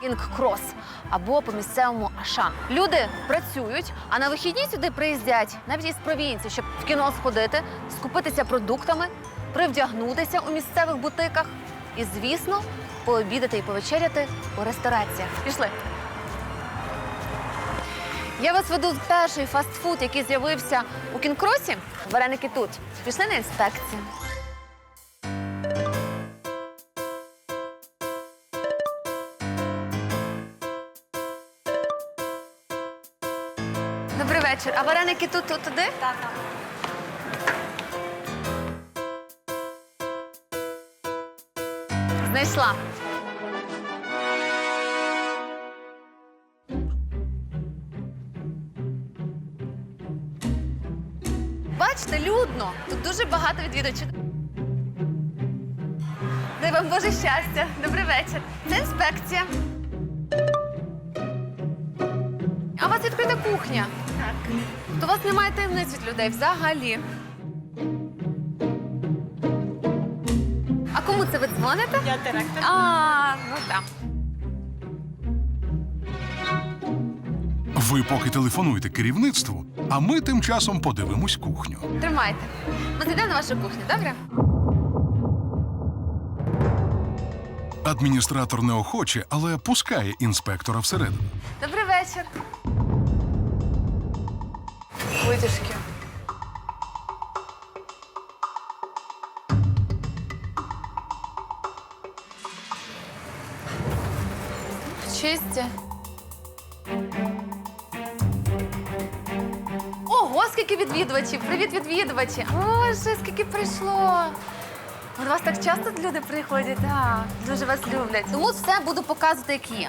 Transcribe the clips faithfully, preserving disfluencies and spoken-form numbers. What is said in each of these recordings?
Кінг-Крос або по місцевому Ашан. Люди працюють, а на вихідні сюди приїздять навіть із провінції, щоб в кіно сходити, скупитися продуктами, привдягнутися у місцевих бутиках і, звісно, пообідати і повечеряти у рестораціях. Пішли. Я вас веду в перший фастфуд, який з'явився у Кінг-Кросі. Вареники тут. Пішли на інспекцію. Добрий вечір. А вареники тут, тут туди? Так, так. Знайшла. Бачите, людно. Тут дуже багато відвідувачів. Дай вам Боже щастя. Добрий вечір. Це інспекція. А у вас відкрита кухня? Так. То у вас немає таємниць від людей взагалі. А кому це ви дзвоните? Я директор. А, ну так. Ви поки телефонуєте керівництву, а ми тим часом подивимось кухню. Тримайте. Ми зайдемо на вашу кухню, добре? Адміністратор неохоче, але пускає інспектора всередину. Добрий вечір. Витяжки. Чисті. Ого, скільки відвідувачів! Привіт, відвідувачі! Боже, скільки прийшло! До вас так часто люди приходять, так, дуже вас люблять. Тому все буду показувати, як є.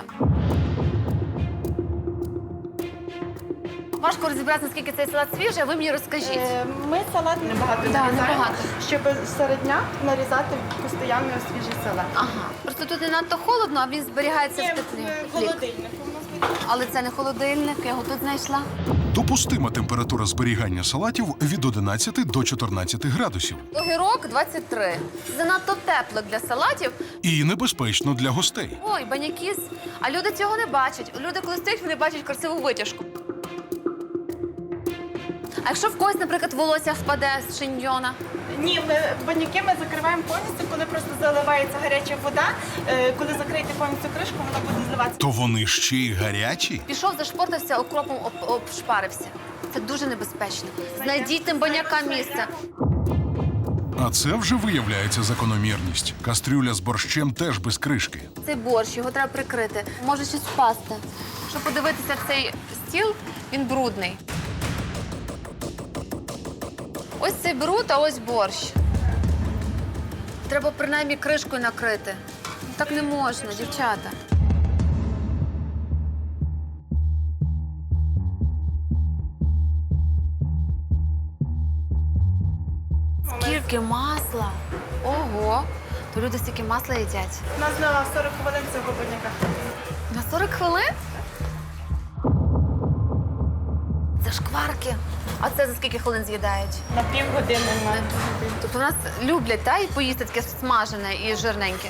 Важко розібратися, наскільки цей салат свіжий, а ви мені розкажіть. Е, Ми салат небагато Да, нарізаємо, небагато. щоб серед дня нарізати постійно свіжий салат. Ага. Просто тут не надто холодно, а він зберігається в Ні, теплі. в холодильнику у нас буде. Але це не холодильник, я його тут знайшла. Допустима температура зберігання салатів від одинадцяти до чотирнадцяти градусів. Огірок двадцять три. Це занадто тепло для салатів. І небезпечно для гостей. Ой, банякіс. А люди цього не бачать. Люди, коли стоять, вони бачать красиву витяжку. А якщо в когось, наприклад, волосся впаде з шиньйона? Ні, ми баняки ми закриваємо повністю, коли просто заливається гаряча вода. Е, Коли закриєте повністю кришку, вона буде зливатися. То вони ще й гарячі? Пішов, зашпортався, окропом об, обшпарився. Це дуже небезпечно. Знайдіть тим банякам місце. А це вже виявляється закономірність. Кастрюля з борщем теж без кришки. Цей борщ, його треба прикрити. Може щось впасти. Щоб подивитися цей стіл, він брудний. Ось цей бруд, а ось борщ. Треба принаймні кришкою накрити. Так не можна, дівчата. Скільки масла? Ого! То люди стільки масла їдять. У нас на сорок хвилин цього баняка. На сорок хвилин? Це шкварки. А це за скільки хвилин з'їдають? На півгодини на Тобто у нас люблять, та, і поїсти таке смажене і жирненьке.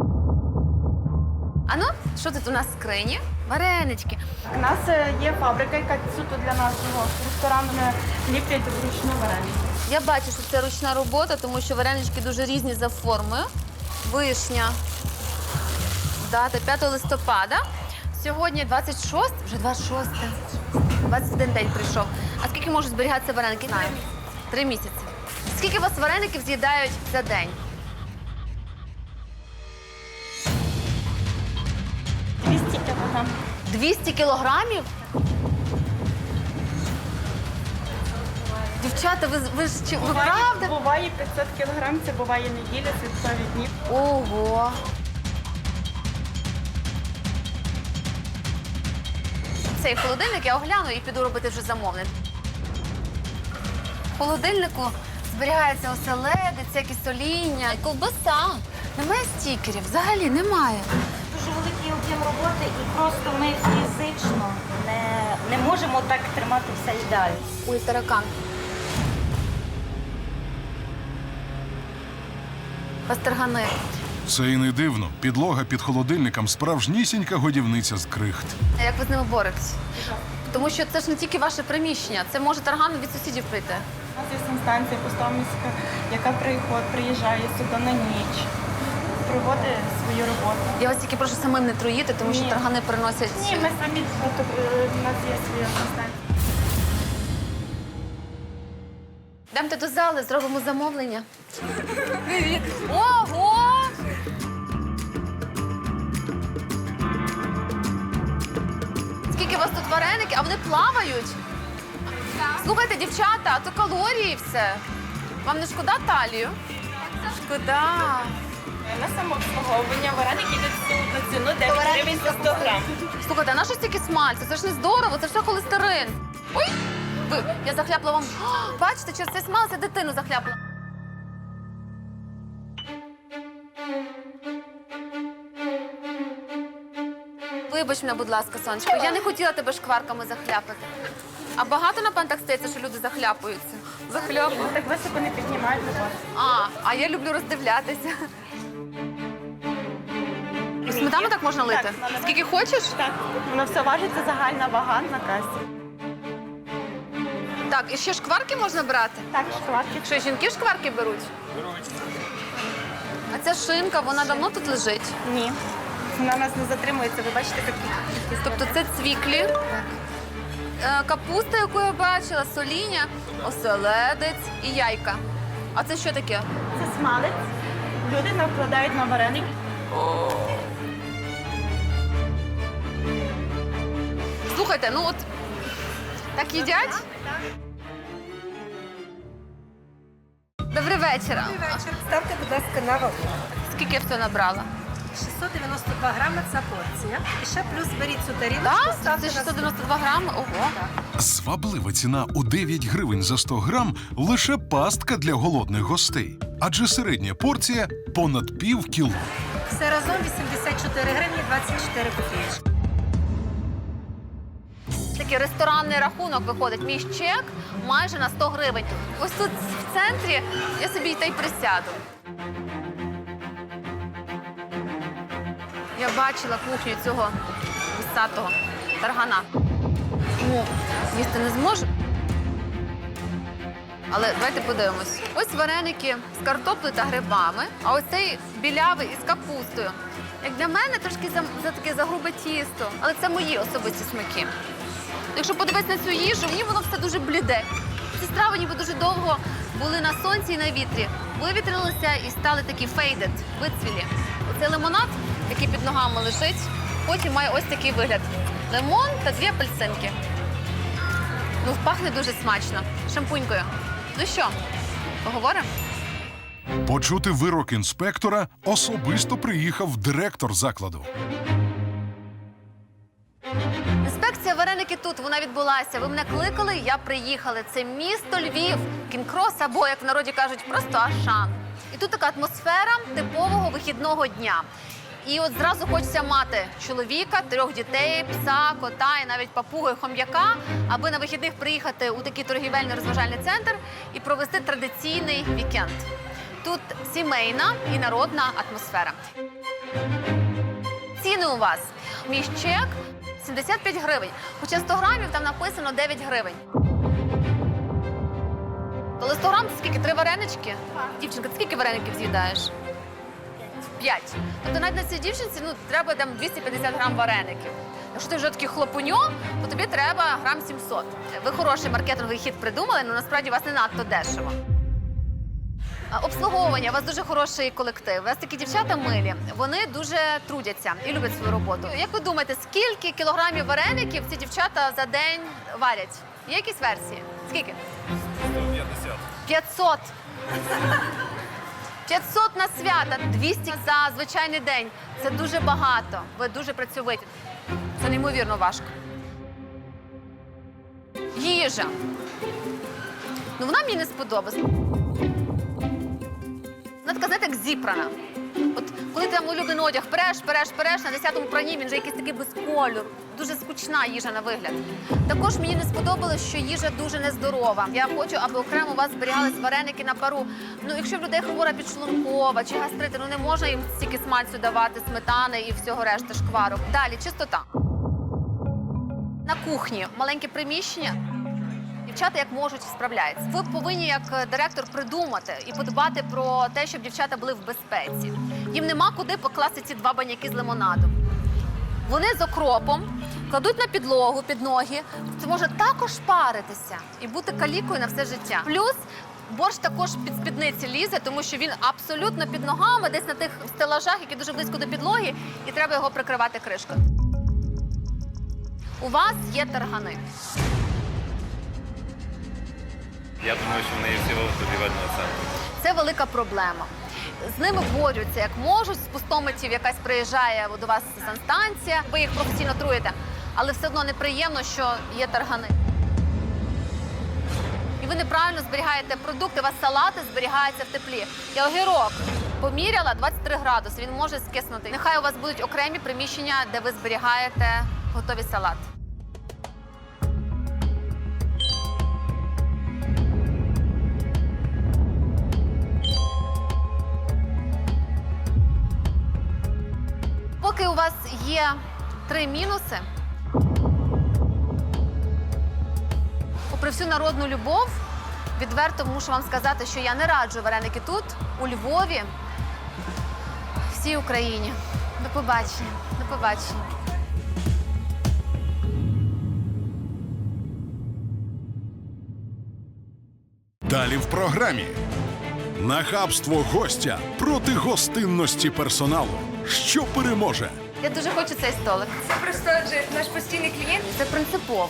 А ну, що тут у нас в скрині? Варенички. У нас е, є фабрика, яка суто для нашого ресторану не ліплять вручну вареники. Я бачу, що це ручна робота, тому що варенички дуже різні за формою. Вишня. Дата п'ятого листопада. Сьогодні двадцять шосте, вже двадцять шосте. двадцять один день прийшов. А скільки можуть зберігатися вареники? Знаю. Три місяці. Скільки у вас вареників з'їдають за день? двісті кілограм. двісті кілограмів? Дівчата, ви, ви ж чи- ви Буває, правда? буває п'ятсот кілограм, це буває неділя, святкові дні. Ого. Цей холодильник я огляну і піду робити вже замовлення. В холодильнику зберігається оселедець, всякі соління, ковбаса. Немає стікерів, взагалі немає. Дуже великий об'єм роботи, і просто ми фізично не, не можемо так тримати все ідеально. Ой, таракан. Пастергани. Це і не дивно. Підлога під холодильником справжнісінька годівниця з крихт. А як ви з ними боретесь? Тому що це ж не тільки ваше приміщення, це може тарган від сусідів прийти. У нас є санстанція Постомівська, яка приходить, приїжджає сюди на ніч, проводить свою роботу. Я вас тільки прошу самим не труїти, тому що Ні. таргани приносять. Ні, ми самі, от, е, у нас є своя санстанція. Йдемте до зали, зробимо замовлення. Привіт! Ого! Скільки у вас тут вареники, а вони плавають? Слухайте, дівчата, а то калорії все. Вам не шкода талію? Шкода. На самообслуговування вареники йдуть на ціну дев'ять гривень за сто грам. Слухайте, а на що стільки смальцю? Це ж не здорово, це ж все холестерин. Ой! Ви, я захляпла вам. О, бачите, через цей смалець я дитину захляпла. Вибач мене, будь ласка, сонечко, я не хотіла тебе шкварками захляпати. А багато, напевно, так стається, що люди захляпуються. Захляпують. Так високо не піднімають на вас. А, а я люблю роздивлятися. І сметану так можна лити? Так, наливай. Скільки хочеш? Так, воно все важить, це загальна вага на касі. Так, і ще шкварки можна брати? Так, шоколадки. Що, жінки шкварки беруть? А ця шинка, вона давно тут лежить? Ні. Вона у нас не затримується, ви бачите, такі. Тобто це цвіклі, е, капуста, яку я бачила, соління, оселедець і яйка. А це що таке? Це смалець. Люди накладають на вареник. Слухайте, ну от так їдять? Добрий вечір. Вечір. Ставте, будь ласка, на вагу. Скільки я все набрала? шістсот дев'яносто два грами – це порція. І ще плюс беріть цю тарілочку, Так? ставте Це на шістсот дев'яносто два грами? Ого. Зваблива ціна у дев'ять гривень за сто грам – лише пастка для голодних гостей. Адже середня порція – понад пів кіло. все разом вісімдесят чотири гривні двадцять чотири копійки. Такий ресторанний рахунок виходить. Мій чек майже на сто гривень. Ось тут в центрі я собі та й присяду. Я бачила кухню цього висатого таргана. Ну, їсти не зможу. Але давайте подивимось. Ось вареники з картоплею та грибами, а ось цей білявий із капустою. Як для мене, трошки за, за таке загрубе тісто. Але це мої особисті смаки. Якщо подивитися на цю їжу, мені воно все дуже бліде. Ці страви ніби дуже довго були на сонці і на вітрі. Вивітрилися і стали такі фейдед, вицвілі. Оцей лимонад, який під ногами лежить, потім має ось такий вигляд. Лимон та дві апельсинки. Ну, пахне дуже смачно. Шампунькою. Ну що, поговоримо? Почути вирок інспектора особисто приїхав директор закладу. Інспекція вареники тут, вона відбулася. Ви мене кликали, я приїхала. Це місто Львів, кінкрос або, як в народі кажуть, просто Ашан. І тут така атмосфера типового вихідного дня. І от зразу хочеться мати чоловіка, трьох дітей, пса, кота і навіть папуги, хом'яка, аби на вихідних приїхати у такий торгівельний розважальний центр і провести традиційний вікенд. Тут сімейна і народна атмосфера. Ціни у вас. Мій чек сімдесят п'ять гривень. Хоча сто грамів там написано дев'ять гривень. То сто грам це скільки? Три варенички? Дівчинка, ти скільки вареників з'їдаєш? П'ять. Тобто навіть на цій дівчинці ну, треба там двісті п'ятдесят грам вареників. Якщо ти вже такий хлопуньо, то тобі треба грам сімсот. Ви хороший маркетинговий хід придумали, але насправді у вас не надто дешево. А, Обслуговування, у вас дуже хороший колектив. У вас такі дівчата милі, вони дуже трудяться і люблять свою роботу. Як ви думаєте, скільки кілограмів вареників ці дівчата за день варять? Є якісь версії? Скільки? сто п'ятдесят. п'ятсот. п'ятсот на свята, двісті за звичайний день. Це дуже багато. Ви дуже працьовиті. Це неймовірно важко. Їжа. Ну, вона мені не сподобалась. Вона така, знаєте, як зібрана. От коли ти там улюблений одяг переш, переш, переш, на десятому пранні він вже якийсь такий без кольору. Дуже скучна їжа на вигляд. Також мені не сподобалось, що їжа дуже нездорова. Я хочу, аби окремо у вас зберігались вареники на пару. Ну, якщо в людей хвора підшлункова чи гастрити, ну не можна їм стільки смальцю давати, сметани і всього решти шкварок. Далі, чистота. На кухні маленьке приміщення. Дівчата як можуть справляються. Ви повинні як директор придумати і подбати про те, щоб дівчата були в безпеці. Їм нема куди покласти ці два баняки з лимонадом. Вони з окропом кладуть на підлогу, під ноги. Це може також паритися і бути калікою на все життя. Плюс борщ також під спідниці лізе, тому що він абсолютно під ногами, десь на тих стелажах, які дуже близько до підлоги, і треба його прикривати кришкою. У вас є таргани. Я думаю, що в неї всього торгівельного центру. Це велика проблема. З ними борються як можуть. З пустомитів якась приїжджає до вас санстанція, ви їх професійно труєте, але все одно неприємно, що є таргани. І ви неправильно зберігаєте продукти, у вас салати зберігаються в теплі. Я огірок поміряла двадцять три градуси, він може скиснути. Нехай у вас будуть окремі приміщення, де ви зберігаєте готові салати. Поки у вас є три мінуси, попри всю народну любов, відверто мушу вам сказати, що я не раджу вареники тут, у Львові, всій Україні. До побачення. До побачення. Далі в програмі. Нахабство гостя проти гостинності персоналу. Що переможе? Я дуже хочу цей столик. Це просто адже наш постійний клієнт. Це принципово.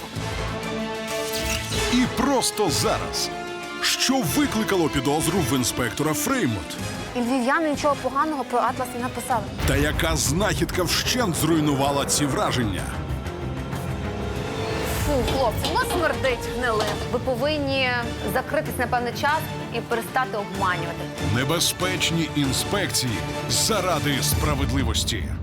І просто зараз. Що викликало підозру в інспектора Фреймут? І львів'яни нічого поганого про Атлас не написали. Та яка знахідка вщент зруйнувала ці враження? Фу, хлопці, воно смердить гнилим. Ви повинні закритись на певний час і перестати обманювати. Небезпечні інспекції заради справедливості.